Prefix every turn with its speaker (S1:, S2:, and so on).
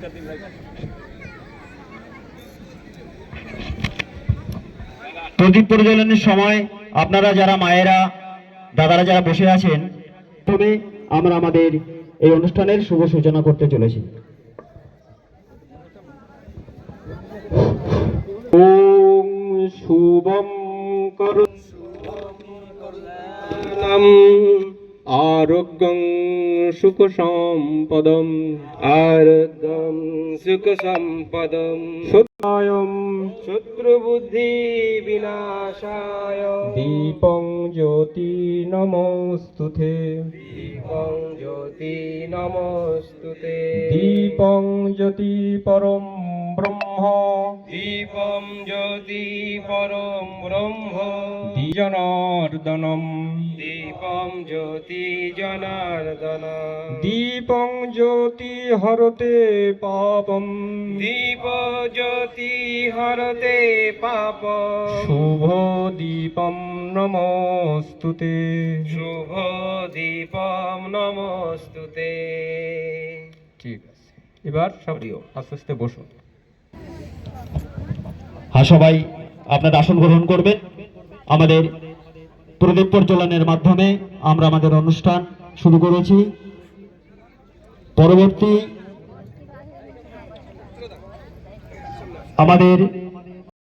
S1: প্রদীপ প্রজ্বলনের সময় আপনারা যারা মায়েরা দাদারা যারা বসে আছেন, তবে আমরা আমাদের এই অনুষ্ঠানের শুভ সূচনা করতে চলেছি।
S2: ওম শুভম করুণাম আরোগ্যং সুখ সম্পদম সত্যায়ম শত্রুবুদ্ধি বিনাশায় দীপং জ্যোতি নমস্তুতে দীপং জ্যোতি পরম ব্রহ্ম জনার্দনম
S3: দীপম জ্যোতি জনার্দনম
S2: দীপং জ্যোতি হরতে পাপম
S3: দীপ জ্যোতি হরতে পাপ
S2: শুভ দীপম নমস্তুতে
S3: শুভ দীপম নমস্তুতে।
S2: ঠিক আছে, এবার সবরিও আস্তে আস্তে বসুন।
S1: সবাই আপনার আসন গ্রহণ করবেন। আমাদের প্রদীপ প্রজ্বলনের মাধ্যমে আমরা আমাদের অনুষ্ঠান শুরু করেছি। পরবর্তী আমাদের